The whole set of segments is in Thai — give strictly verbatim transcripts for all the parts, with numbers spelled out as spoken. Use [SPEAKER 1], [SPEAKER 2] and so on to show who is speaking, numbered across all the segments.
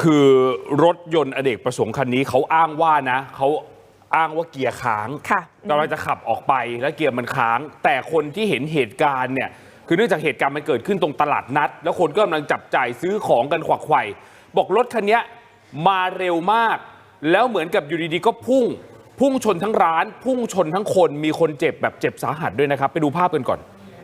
[SPEAKER 1] คือรถยนต์อเนกประสงค์คันนี้เขาอ้างว่านะเขาอ้างว่าเกียร์ค้างกำลังจะขับออกไปแล้วเกียร์มันค้างแต่คนที่เห็นเหตุการณ์เนี่ยคือเนื่องจากเหตุการณ์มันเกิดขึ้นตรงตลาดนัดแล้วคนก็กำลังจับจ่ายซื้อของกันขวักไขว่บอกรถคันนี้มาเร็วมากแล้วเหมือนกับอยู่ดีๆก็พุ่งพุ่งชนทั้งร้านพุ่งชนทั้งคนมีคนเจ็บแบบเจ็บสาหัสด้วยนะครับไปดูภาพกันก่อน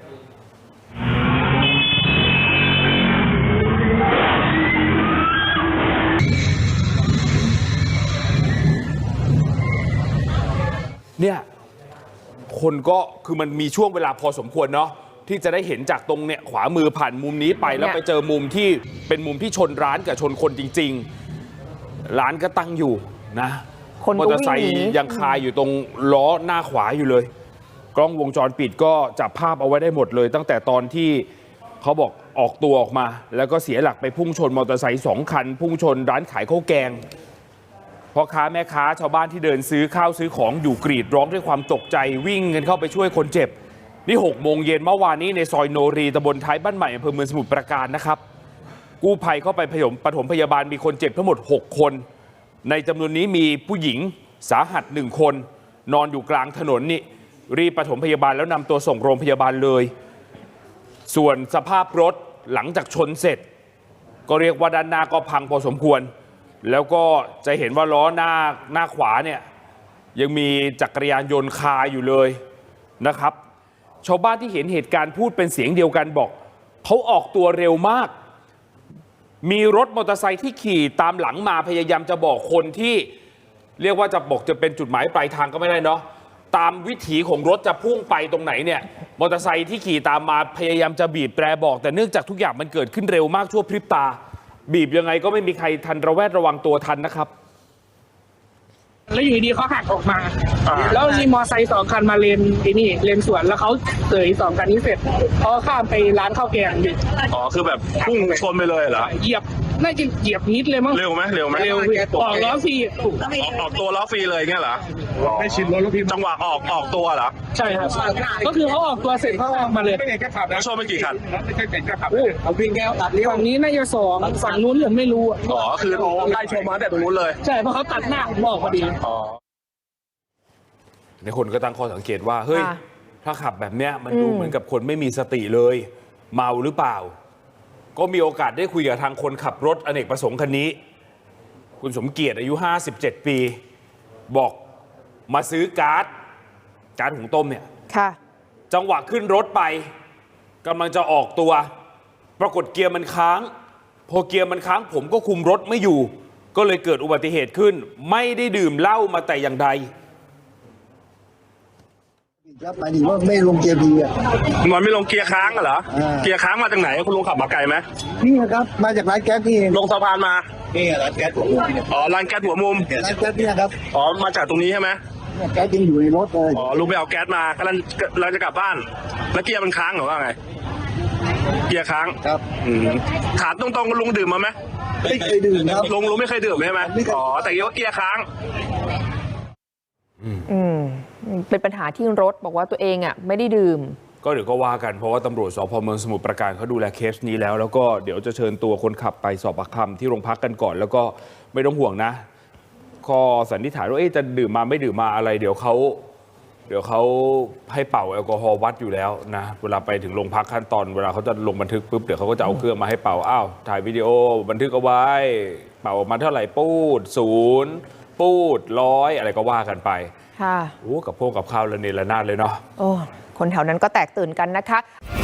[SPEAKER 1] เนี่ยคนก็คือมันมีช่วงเวลาพอสมควรเนาะที่จะได้เห็นจากตรงเนี่ยขวามือผ่านมุมนี้ไปแล้วไปเจอมุมที่เป็นมุมที่ชนร้านกับชนคนจริงๆร้านก็ตั้งอยู่นะมอเตอร์ไซค์ยังคาอยู่ตรงล้อหน้าขวาอยู่เลยกล้องวงจรปิดก็จับภาพเอาไว้ได้หมดเลยตั้งแต่ตอนที่เขาบอกออกตัวออกมาแล้วก็เสียหลักไปพุ่งชนมอเตอร์ไซค์สองคันพุ่งชนร้านขายข้าวแกงพ่อค้าแม่ค้าชาวบ้านที่เดินซื้อข้าวซื้อของอยู่กรีดร้องด้วยความตกใจวิ่งกันเข้าไปช่วยคนเจ็บนี่หกโมงเย็นเมื่อวานนี้ในซอยโนรีตำบลท้ายบ้านใหม่อำเภอเมืองสมุทรปราการนะครับกู้ภัยเข้าไปพยมปฐมพยาบาลมีคนเจ็บทั้งหมดหกคนในจำนวนนี้มีผู้หญิงสาหัสหนึ่งคนนอนอยู่กลางถนนนี่รีบปฐมพยาบาลแล้วนำตัวส่งโรงพยาบาลเลยส่วนสภาพรถหลังจากชนเสร็จก็เรียกว่าด้านหน้าก็พังพอสมควรแล้วก็จะเห็นว่าล้อหน้าหน้าขวาเนี่ยยังมีจักรยานยนต์คาอยู่เลยนะครับชาวบ้านที่เห็นเหตุการณ์พูดเป็นเสียงเดียวกันบอกเขาออกตัวเร็วมากมีรถมอเตอร์ไซค์ที่ขี่ตามหลังมาพยายามจะบอกคนที่เรียกว่าจะบอกจะเป็นจุดหมายปลายทางก็ไม่ได้เนาะตามวิถีของรถจะพุ่งไปตรงไหนเนี่ยมอเตอร์ไซค์ที่ขี่ตามมาพยายามจะบีบแตรบอกแต่เนื่องจากทุกอย่างมันเกิดขึ้นเร็วมากชั่วพริบตาบีบยังไงก็ไม่มีใครทันระแวดระวังตัวทันนะครับ
[SPEAKER 2] แล้วอยู่ดีเขาหักออกมาแล้วมีมอไซค์สองคันมาเลนไอ้นี่เลนสวนแล้วเขาเสยสองคันนี้เสร็จเขาข้ามไปร้านข้าวแกงดิ
[SPEAKER 3] อ๋อคือแบบพุ่งชนไปเลยเหรอ
[SPEAKER 2] เหยียบน่าจะเหยียบนิดเลยมั้ง
[SPEAKER 3] เร็วไหมเร็วไหม
[SPEAKER 2] เร็วออกล้อฟรี
[SPEAKER 3] ออกตัวล้อฟรีเลยเงี้ยเหรอ
[SPEAKER 4] ไม่ชินรถแล้วพี่
[SPEAKER 3] จังหวะออกออกตัวเหรอ
[SPEAKER 2] ใช่ครับก็คือเขาออกตัวเสร็จเขาออกมาเลย
[SPEAKER 4] ไม่ใช่แค่ขับนะ
[SPEAKER 3] ชนไปกี่คัน
[SPEAKER 4] ไม่ใช่แค่ขับเอาวิ่งแก้วตัดเลี้ยว
[SPEAKER 2] ฝั่งนี้น่าจะสองฝั่งนู้นผมไม่รู้
[SPEAKER 3] อ๋อคือไล่ชนมาแต่ตรงนู้นเลย
[SPEAKER 2] ใช่เพราะเขาตัดหน้าผมบอกพอดี
[SPEAKER 3] อ๋อ
[SPEAKER 1] ในคนก็ตั้งข้อสังเกตว่าเฮ้ยถ้าขับแบบเนี้ยมันดูเหมือนกับคนไม่มีสติเลยเมาหรือเปล่าก็มีโอกาสได้คุยกับทางคนขับรถอเนกประสงค์คันนี้คุณสมเกียรติอายุห้าสิบเจ็ดปีบอกมาซื้อก๊าซก๊าซหุงต้มเนี่ยจังหวะขึ้นรถไปกำลังจะออกตัวปรากฏเกียร์มันค้างพอเกียร์มันค้างผมก็คุมรถไม่อยู่ก็เลยเกิดอุบัติเหตุขึ้นไม่ได้ดื่มเหล้ามาแต่อย่างใด
[SPEAKER 5] ครับหมายถึงว่าไม่ลงเกียร์พีอ่ะ
[SPEAKER 3] มันไม่ลงเกียร์ค้างเหรอเกียร์ค้างมาจากไหนคุณลุงขับมาไกลไหม
[SPEAKER 5] นี่ครับมาจากร้านแก๊สนี่
[SPEAKER 3] ลงสะพานมา
[SPEAKER 5] นี่ร้านแก๊สหัวมุม
[SPEAKER 3] อ๋อร้านแก๊สหัวมุม
[SPEAKER 5] ร้านแก๊สนี่ครับ
[SPEAKER 3] อ๋อมาจากตรงนี้ใช่ไหม
[SPEAKER 5] แก๊สยังอยู่ในรถเลย
[SPEAKER 3] อ๋อลุงไปเอาแก๊สมากำลังเราจะกลับบ้านแล้วเกียร์มันค้างหรือว่าไงเกียร์ค้าง
[SPEAKER 5] ครับ
[SPEAKER 3] ถามตรงๆลุงดื่มมาไหม
[SPEAKER 5] ไม่เคยดื่มครับ
[SPEAKER 3] ลุงลุงไม่เคยดื่มใช่ไหมอ๋อแต่ว่าเกียร์ค้าง
[SPEAKER 6] อืมเป็นปัญหาที่รถบอกว่าตัวเองอ่ะไม่ได้ดื่ม
[SPEAKER 1] ก็เดี๋ยวก็ว่ากันเพราะว่าตำรวจสพเมืองสมุทรปราการเขาดูแลเคสนี้แล้วแล้วก็เดี๋ยวจะเชิญตัวคนขับไปสอบปากคำที่โรงพักกันก่อนแล้วก็ไม่ต้องห่วงนะข้อสันนิษฐานว่าจะดื่มมาไม่ดื่มมาอะไรเดี๋ยวเขาเดี๋ยวเขาให้เป่าแอลกอฮอล์วัดอยู่แล้วนะเวลาไปถึงโรงพักขั้นตอนเวลาเขาจะลงบันทึกปุ๊บเดี๋ยวเขาก็จะเอาเครื่องมาให้เป่าอ้าวถ่ายวิดีโอบันทึกเอาไว้เป่ามาเท่าไหร่ปูดศูนย์ปูดร้อยอะไรก็ว่ากันไป
[SPEAKER 6] ค่ะ
[SPEAKER 1] โอ้กับพวกกับข้าวระเนระนาดเลยเนาะ
[SPEAKER 6] โอ้คนแถวนั้นก็แตกตื่นกันนะคะ